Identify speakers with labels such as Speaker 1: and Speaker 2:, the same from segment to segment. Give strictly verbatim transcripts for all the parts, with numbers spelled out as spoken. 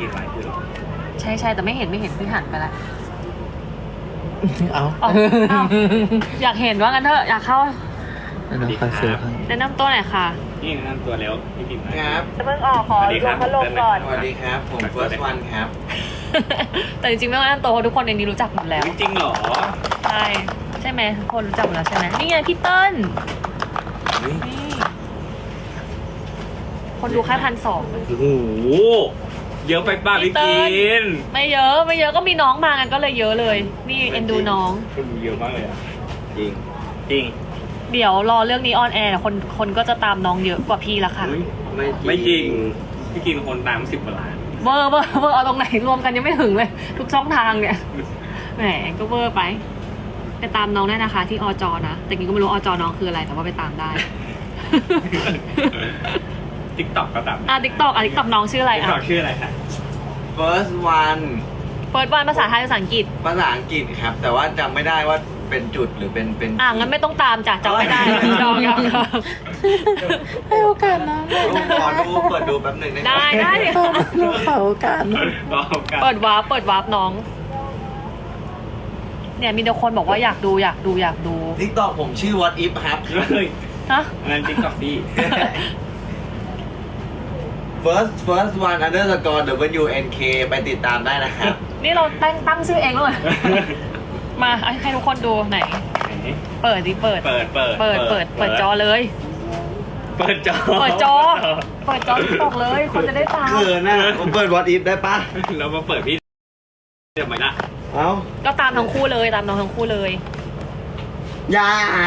Speaker 1: กินไลฟ์อยู่หรอ
Speaker 2: ใช่ใช่แต่ไม่เห็นไม่เห็นพี่หันไปละ
Speaker 3: เอา
Speaker 2: เอาเอาอยากเห็นว่างั้นเถอะอยากเข้า
Speaker 3: น้องคาเฟ่ให้
Speaker 2: แนะนำตัวหน่อยค่ะ
Speaker 1: นี่แนะนำตัวแล้วพี่กิน
Speaker 4: ครับ
Speaker 2: จะเพิ่งออกขอรวมพัดลมก่อน
Speaker 4: สวัสดีครับผม first one ครับ
Speaker 2: แต่จริงๆไม่ต้องแนะนำตัวเพราะทุกคนในนี้รู้จักหมดแล้ว
Speaker 1: จริงเหรอ
Speaker 2: ใช่ใช่ไหมทุกคนรู้จักหมดแล้วใช่ไหมนี่ไงพี่เติ้ลนี่คนดูแค่พันสอง
Speaker 1: โอ้โหเยอะไปป่ะพี่กิน
Speaker 2: ไม่เยอะไม่เยอะก็มีน้องมากันก็เลยเยอะเลย นี่เอ็นดูน้อง
Speaker 1: คนดูเยอะมากเลยอ่ะ
Speaker 4: จริง
Speaker 1: จริง
Speaker 2: เดี๋ยวรอเรื่องนี้ออนแอร์คนคนก็จะตามน้องเยอะกว่าพี่ละค่ะ
Speaker 4: ไม่
Speaker 1: ไม่จริงพี่กินคนตามสิบกว่าล้าน
Speaker 2: เวอร์เวอร์เวอร์เอาตรงไหนรวมกันยังไม่ถึงเลย ทุกช่องทางเนี่ยแหมก็เวอร์ไปไปตามน้องได้นะคะ ที่อจนะแต่กินก็ไม่รู้อจน้องคืออะไรแต่ว่าไปตามได้
Speaker 1: ติ๊กต็อกก็ตาม
Speaker 2: อ่ะติ๊กต็อกอ่ะติ๊กต็อกน้องชื่ออะไร
Speaker 1: ติ๊ก
Speaker 2: อ่ะ
Speaker 1: ต็อกชื่ออะไรคะ
Speaker 4: first one
Speaker 2: เฟิร์สวันภาษาไทยภาษาอังกฤษ
Speaker 4: ภาษาอังกฤษครับ แต่ว่าจำไม่ได้ว่าเป็นจุดหรือเป็นเป็น
Speaker 2: อ่ะงั้นไม่ต้องตามจ้ะจำไม่ได้ดองยัง
Speaker 3: ให้โอกาสน้อง
Speaker 4: ขอดูเปิดดูแป๊บหนึ่งได้ไหม
Speaker 2: ได้ได้
Speaker 3: น้องขอโอกาสน้อง
Speaker 1: บอกกัน
Speaker 2: เปิดวาร์ปเปิดวาร์ปน้อง เนี่ยมีแต่คนบอกว่าอยากดูอยากดูอยากดู
Speaker 4: ทิกตอกผมชื่อ what if ครับ
Speaker 1: เฮ้ย
Speaker 2: ฮะ
Speaker 1: งั้นติ๊กต็อกพี่
Speaker 4: first first one underscore w n k ไปติดตามได้นะครับ
Speaker 2: นี่เราตั้งตั้งชื่อเองเลย มาให้ทุกคนดูไหน เปิดดิเปิด
Speaker 1: เปิดเปิด
Speaker 2: เปิดเปิดเปิดจอเลย
Speaker 1: เปิดจอ
Speaker 2: เปิดจอ เปิดจอตกเลย คนจะได้ตาม
Speaker 4: เขินนะผมเปิด what if ได้ปะ
Speaker 1: เรามาเปิดพี่เดี๋ยวมาละ
Speaker 4: เอ้า
Speaker 2: ก็ตามทั้งคู่เลยตามน้องทั้งคู่เลย
Speaker 4: อย่า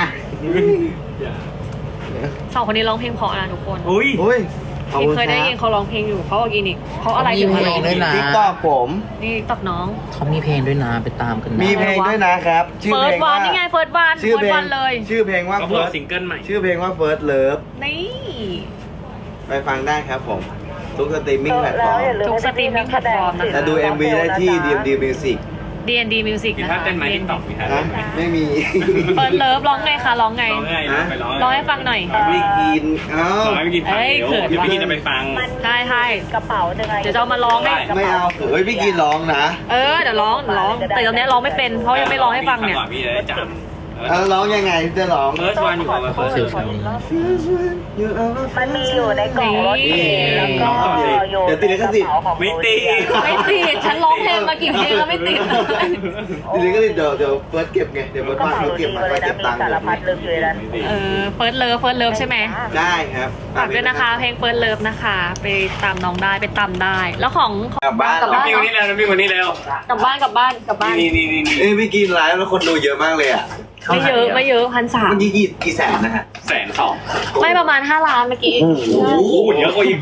Speaker 2: สองคนนี้ร้องเพลงเพราะนะทุกคน
Speaker 1: อุ้ย
Speaker 4: อุ้ยขอบ
Speaker 2: พี่
Speaker 4: คุณ
Speaker 2: เคยได้ยิน
Speaker 4: ค
Speaker 2: เขาร้องเพลงอยู่เขาออร์แกนิกเขาอะไรอยู่
Speaker 3: มี
Speaker 2: อะไร
Speaker 3: เพลงด้วยนะ
Speaker 4: ทิกตอกผม
Speaker 2: นี่ตอกน้อง
Speaker 3: เขามีเพลงด้วยนะไปตามกันนะ
Speaker 4: มีเพลงด้วยนะครับ ชื่อ
Speaker 2: เฟิ
Speaker 4: เพ
Speaker 2: ร์
Speaker 4: ล
Speaker 2: ส
Speaker 4: ง
Speaker 2: วั
Speaker 4: ว่าน
Speaker 2: นี่ไงเฟิร์สวัน
Speaker 4: ชื่อ
Speaker 2: เฟิร์
Speaker 4: เพ
Speaker 2: ส
Speaker 4: ล
Speaker 2: วั
Speaker 4: ง
Speaker 2: นเลย
Speaker 4: ชื่อเพลงว่า
Speaker 1: ก็เพิ่
Speaker 4: first
Speaker 1: ซิงเกิลใหม่
Speaker 4: ชื่อเพลงว่า first love
Speaker 2: นี่
Speaker 4: ไปฟังได้ครับผม ทุกสตรีมมิ่งแพลตฟอร์ม
Speaker 2: ทุกสตรีมมิ่งแพลตฟอร์มนะ
Speaker 4: แต่
Speaker 2: คะ
Speaker 4: ดู เอ็ม วี ได้ที่ ดี เอ็ม ดี Music
Speaker 2: ดี เอ็น ดี Music
Speaker 1: มี
Speaker 2: นะ
Speaker 1: ท่า
Speaker 2: คะ
Speaker 1: เต้นไหมติ๊กต็อกมีท่า
Speaker 4: นะ
Speaker 1: เต้นไหม
Speaker 4: ไม่มี
Speaker 2: เฟิร์สเลิฟร้องไงคะร้องไง
Speaker 1: ร้องไงไปร้อง
Speaker 2: ร้องให้ฟังหน่อย
Speaker 4: ไม่กินเอ้า
Speaker 1: ร้องให้พี่กินฟัง
Speaker 2: เอ้ย
Speaker 1: เดี๋ยว
Speaker 2: เขิน
Speaker 1: พี่กินจะไปฟัง
Speaker 2: ใช่ใช่กระเป๋าจะไงเดี๋ยวจะเอามาร้องให้
Speaker 4: ไม่เอาเฮ้ยพี่กินร้องนะ
Speaker 2: เออเดี๋ยวร้องเดี๋ยวร้อง แต่ตอนนี้ร้องไม่เป็นเพราะยังไม่ร้องให้ฟังเนี่ย
Speaker 1: พี่จะได้จำ
Speaker 4: เออร้องยังไงจะร้อง
Speaker 1: เฟิร์สวันอยู่กับเฟิร์ส
Speaker 3: เสียวๆ
Speaker 5: มันมีอยู่ในกล่องรถเมล์แล้วก็อยู่
Speaker 4: เดี๋ยวติดลิขสิทธิ์
Speaker 1: ไม่ตี
Speaker 2: ไม่ติดฉันร้องเพลงมากี่เพลงแล้วไม่ติด
Speaker 4: ทีนี้ก็เดี๋ยวเดี๋ยวเฟิร์สเก็บไงเดี๋ยวเฟิร์ส
Speaker 5: กระ
Speaker 4: บ้าน
Speaker 5: เป๋า
Speaker 4: เขา
Speaker 5: จริ
Speaker 4: เก็บ
Speaker 5: ง
Speaker 4: มา
Speaker 5: เลย
Speaker 4: ก็
Speaker 5: นะ
Speaker 4: เก็บ
Speaker 5: มี
Speaker 4: ตังค์
Speaker 5: สารพัดลึกอยู่ในนั้น
Speaker 2: เออเฟิร์สเลิฟเฟิร์สเลิฟใช่ไหม
Speaker 4: ได้ครับ
Speaker 2: ฝากด้วยนะคะเพลงเฟิร์สเลิฟนะคะ ไปตามน้องได้ไปตามได้ แล้วของ
Speaker 4: กลับบ้าน
Speaker 2: กลับบ้าน
Speaker 1: น้ำพี่คนนี้แล้วน้ำพี่คนนี้แล้ว
Speaker 2: กลับบ้านกลับบ้านกลับบ้าน
Speaker 1: นี่นี่นี่นี่
Speaker 4: เอ้ยพี่กินไลฟ์แล้วคนดูเยอะมากเลยอ่ะ
Speaker 2: ไม่เยอะไม่เยอะพันสาม
Speaker 4: เมื่อกี้กี่กี่แสนนะฮะ
Speaker 1: แสนสอง
Speaker 2: ไม่ประมาณห้าล้านเมื่อกี้
Speaker 4: โอ้โห
Speaker 1: โอ้โหเยอะกว่าอีก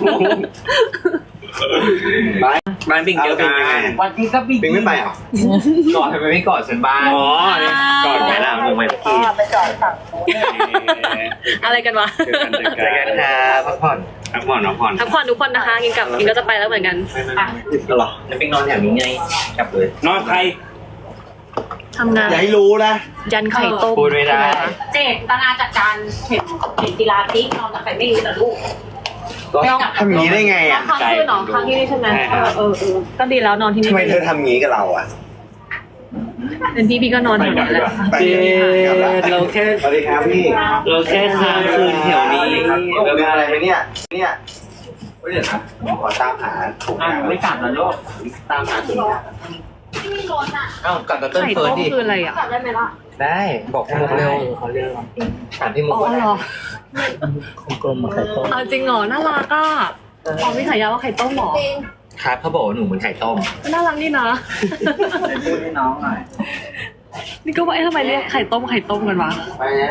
Speaker 4: ไป
Speaker 1: บ้านปิงเยอะเป็นยังไง
Speaker 3: วันที่ก็ปี
Speaker 4: ปิงไม่ไปเหรอ
Speaker 3: ก่อนทำไมไม่ก่อนฉันบ้าง
Speaker 1: อ๋อนี่ก่อนไปละมึงไป
Speaker 5: ก็ไปจอดฝั่งนู้น
Speaker 2: อะไรกันวะ
Speaker 1: เจอกันเจอ
Speaker 4: เจอ
Speaker 1: กั
Speaker 4: กัน นครับพักผ่อน
Speaker 1: พักผ่อนพักผ่อน
Speaker 2: พักผ่อนทุกคนนะคะกินกลับกินก็จะไปแล้วเหมือนกัน
Speaker 4: เหรอ
Speaker 3: จะไปนอนแถวนี้ไงกลับเลย
Speaker 1: นอนใคร
Speaker 2: ทำงาน
Speaker 4: อย่าให้รู้นะ
Speaker 2: ยันไข่ต้ม
Speaker 3: พูดไม่ได้
Speaker 2: เจตนาจัดการเห็นเห็นกีฬาทิกนอนกับใครไม่รู้แต่ลูก
Speaker 4: ทำอย่างนี้ได้ไง
Speaker 2: แล้ว
Speaker 4: อ่ะ
Speaker 2: ค้างคืนเหรอค้างที่นี่ใช่ไหมเออเออเออก็ดีแล้วนอนที่นี่
Speaker 4: ทำไมเธอทำอย่างนี้กับเราอ่ะ
Speaker 2: เป็นพี่พี่ก็นอนแถวนั้นแหละ
Speaker 4: ไปกลับละ
Speaker 3: เราแค่
Speaker 4: สวัสดีครับพี่
Speaker 3: เราแค่ค้างคืนแถวนี้
Speaker 4: เราเป็นอะไรไหมเนี่ย เนี่ยเฮ้ยเดี๋ยวนะผมขอตามหาถุง
Speaker 3: อ่ะ
Speaker 4: ยาง
Speaker 3: ไม่กลับแล้วลูก
Speaker 4: ตามหาถุงยาง
Speaker 3: เอ้ากลับกับเต้น
Speaker 2: ไข่
Speaker 3: เฟิร์
Speaker 2: ต้
Speaker 3: ส
Speaker 2: ม
Speaker 3: ดิ
Speaker 2: คืออะไรอ่ะ
Speaker 3: ได้บอกมุกเร็วเขาเร็วถามที่มุก
Speaker 2: อ๋อเหรอ
Speaker 3: กลมๆไข่ต้ม
Speaker 2: เอาจริงเหรอน่ารักอ่ะอ๋อมีฉายาว่าไข่ต้มเหรอ
Speaker 3: ครับเขาบอกว่าหนูเหมือนไข่ต้ม
Speaker 2: น่ารักนี่นะ
Speaker 3: พูดให้น้องหน่อย
Speaker 2: นี่ก็ว่าเอ๊ะทำไมเรียกไข่ต้มไข่ต้มกันวะ
Speaker 4: ไปนะ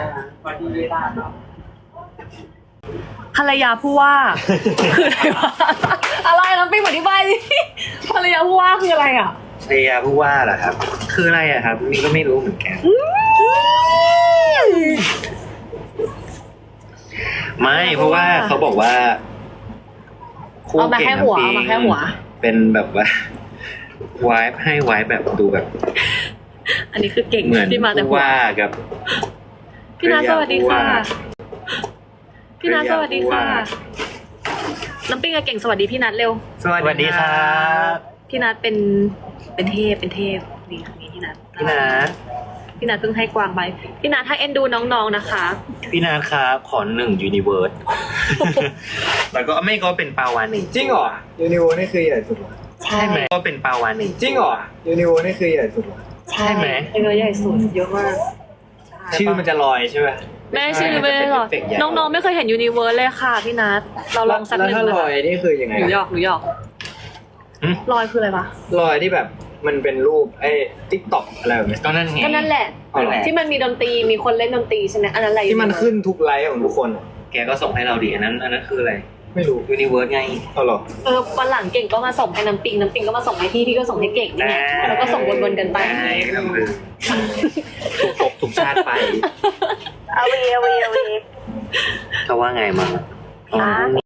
Speaker 2: ภรรยาผู้ว่า คืออะไรวะอะไรน้ำปิ้งอธิบายดิภรรยาผู้ว่าคืออะไรอ่ะ
Speaker 4: ภรรยาผู้ว่าเหรอครับ
Speaker 3: คืออะไรอะครับนี่ก็ไม่รู้เหมือนกัน ไม่เพราะว่าเขาบอกว่า
Speaker 2: เอามาแค่หัวเอามาแค่หัว
Speaker 3: เป็นแบบว่า วายให้วายแบบดูแบบ
Speaker 2: อันนี้คือเก่ง
Speaker 3: เหมือน
Speaker 2: ที่มาแต่
Speaker 3: ผู้
Speaker 2: หัว
Speaker 3: ว่ากับ
Speaker 2: พี่นาสวัสดีค่ะ พี่นาสวัสดีค่ะน้ำปิ้งกับเก่งสวัสดีพี่นัทเร็ว
Speaker 3: สวัสดีครับ
Speaker 2: พี่นัทเป็นเป็นเทพเป็นเทพนี่ครั้งนี้พี่นัท
Speaker 3: พี่นัท
Speaker 2: พี่นัทเพิ่งให้กวางไปพี่นัทให้เอ็นดูน้องๆนะคะ
Speaker 3: พี่นัทครับขอหนึ่งยูนิเวิร์ส แล้วก็ไม่ก็เป็นปลาวานหนึ่ง
Speaker 6: จริงเหรอยูนิโวนี่คือใหญ่สุดเหรอ
Speaker 3: ใช่ไหมก็เป็นปลาวานหนึ่ง
Speaker 6: จริงเหรอยูนิโวนี่คือใหญ่สุดเหรอ
Speaker 3: ใช่ไหม
Speaker 2: เอ็นดูใหญ่สุดเยอะมาก
Speaker 6: ชื่อมันจะลอยใช่ไหม
Speaker 2: แม่ชื่อไม่ได้หรอกน้องๆไม่เคยเห็นยูนิเวิร์สเลยค่ะพี่นัทเราลองสักห
Speaker 6: แล้ว
Speaker 2: นึ่ง
Speaker 6: ถ้าลอยนี่คือยังไง
Speaker 2: หนูหยอกหนูหยอกลอยคืออะไรวะ
Speaker 6: ลอยที่แบบมันเป็นรูปไอ้ติ๊กต็อกอะไรแบบนี้
Speaker 3: ก็นั่นไง
Speaker 2: ก็นั่นแหละ
Speaker 6: นั่นแหละ
Speaker 2: ที่มันมีดนตรีมีคนเล่นดนตรีใช่ไหมอันนั้นอะไร
Speaker 6: ที่มันขึ้นทุกไลฟ์ของทุกคนอะ
Speaker 3: แกก็ส่งให้เราดิอันนั้นอันนั้นคืออะไร
Speaker 6: ไม่รู้
Speaker 3: ยูนิเวิร์สไง
Speaker 6: เอาเหรอ
Speaker 2: เออวันหลังเก่งก็มาส่งให้น้ำปิงน้ำปิงก็มาส่งให้พี่พี่ก็ส่งให้เก่งนี่ไงแล้วก็ส่งวนๆกันไป
Speaker 3: ได้ครับคือถูกภพถูกชาติไป
Speaker 5: เอาวีเอาวีเอาวี
Speaker 3: เขาว่าไงมั้งอ๋อ